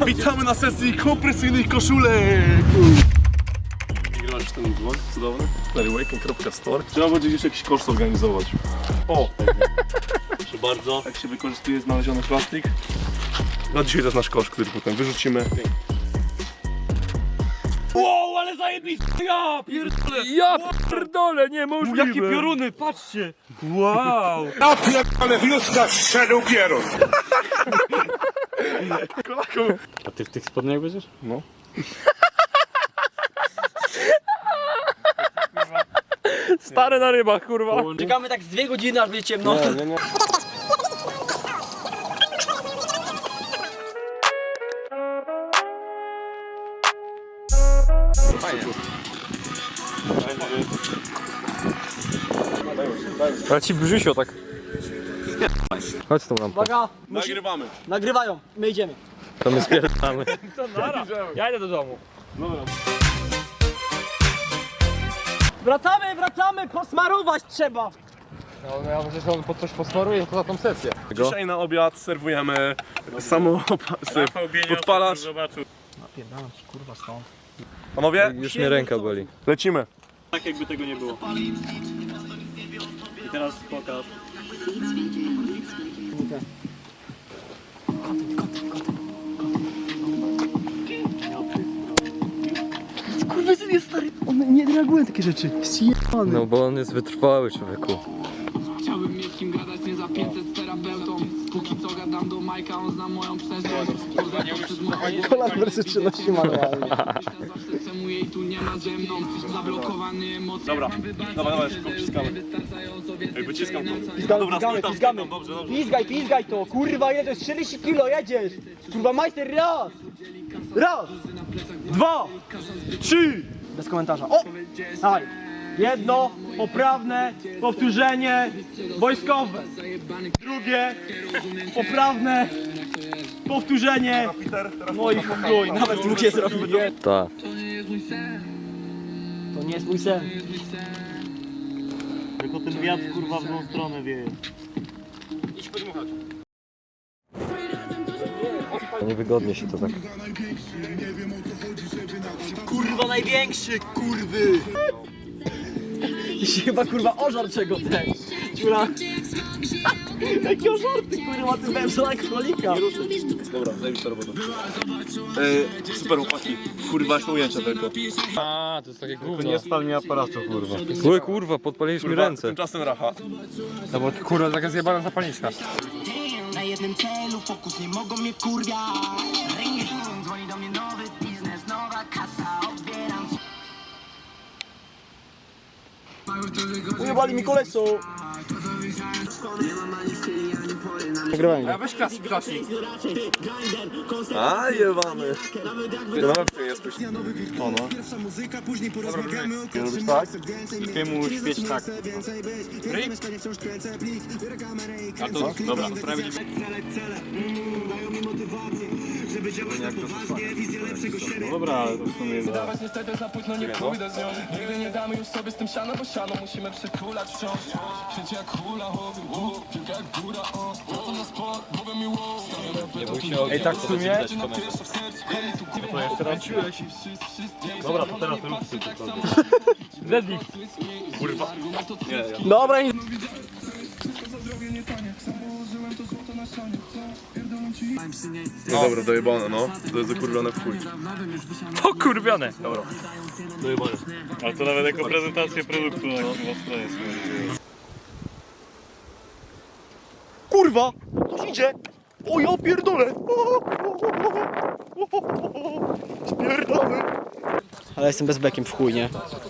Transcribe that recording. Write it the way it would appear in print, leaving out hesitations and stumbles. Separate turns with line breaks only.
Witamy na sesji kompresyjnych koszulek! Grasz ten vlog cudowny? Larrywaken.store. Trzeba będzie gdzieś jakiś kosz zorganizować. O! Proszę bardzo. Jak się wykorzystuje znaleziony plastik. No dzisiaj to jest nasz kosz, który potem wyrzucimy.
Wow, ale zajebiste! Ja pierdolę!
Ja pierdolę, niemożliwe!
Jakie pioruny, patrzcie! Wow!
Na pierdolę wioska strzelił pierun.
A ty w tych spodniach będziesz?
No.
Stary na rybach, kurwa.
Czekamy tak z 2 godziny, aż będzie ciemno.
Nie.
Ale ci brzysio tak. Chodź z tą lampą.
Uwaga,
Nagrywamy.
nagrywają, my idziemy.
To my spierdamy. To nara. Ja idę do domu.
Wracamy, posmarować trzeba.
No ja myślę, że on pod coś posmaruje poza tą sesję.
Dzisiaj na obiad serwujemy podpalacz.
Napierdalam ci kurwa stąd.
Panowie,
Już mnie ręka boli.
lecimy.
Tak jakby tego nie było. I teraz pokaż.
Kurwa, jest stary, one nie reagują takie rzeczy. Zjebany.
No bo on jest wytrwały, człowieku.
Chciałbym mieć kim gadać, nie za 500 z terapeutą. Póki co gadam do Majka, on zna moją przeszłość. Poza to przez moje
Kolan wersy 13 manualnie.
myślę zawsze, czemu jej tu nie ma ze mną. Zablokowany emocje.
Dobra, dawaj, szybko wciskamy. Ej, wyciskam to.
Pizgamy.
Dobrze.
Pizgaj to, kurwa, ile to jest 40 kilo, jedziesz. Kurwa, majster, raz, 2, 3. Bez komentarza. O! Dawaj. Jedno, poprawne, powtórzenie, wojskowe. Drugie, poprawne, powtórzenie. No i chuj, nawet drugie zrobił.
Ta.
To nie jest mój sen.
Tylko ten wiatr kurwa w tą stronę wieje.
Niewygodnie się to tak.
Kurwa największy, kurwy! I się chyba kurwa ożar czego ten. Ciula. Jakie ożarty kurwa, ty węża jak królika.
Dobra, zajmij robotę. Super chłopaki. Kurwa, są ujęcia tylko.
A, to jest takie gówno.
Nie spal mi aparatu kurwa.
Zły kurwa, podpaliłeś mi ręce.
Tymczasem racha.
No bo kurwa, taka zjebana zapalniczka.
Na jednym celu fokus, nie mogą mnie wkurwiać. Ring, dzwoni do mnie nowy biznes, nowa kasa, odbieram.
Ujebali mi koleso. Nagrywaj.
A weź klasik.
A, jebany. Nawet ty jesteś. O no. Nie robisz tak?
Ty mu świeć tak. A to dobra, prawie no dobra, ale to w sumie jest.
Niestety za późno nie pójdę z nią. Nigdy nie damy już sobie z tym siano, bo siano musimy przytulać wciąż. Świecie jak hula, piłka jak góra, wracam na sport, mówię mi wow.
Ej, tak w sumie?
Dobra, to teraz rób ty to.
Deadlift.
Dobra, i...
No dobra, dojebane, no. To jest zakurwione w chuj.
Pokurwione. Dobra.
Ale to nawet jako prezentację produktu na stronie jest.
Kurwa! Ktoś idzie! O ja pierdolę! Spierdolę! Ale jestem bez bekiem w chuj, nie?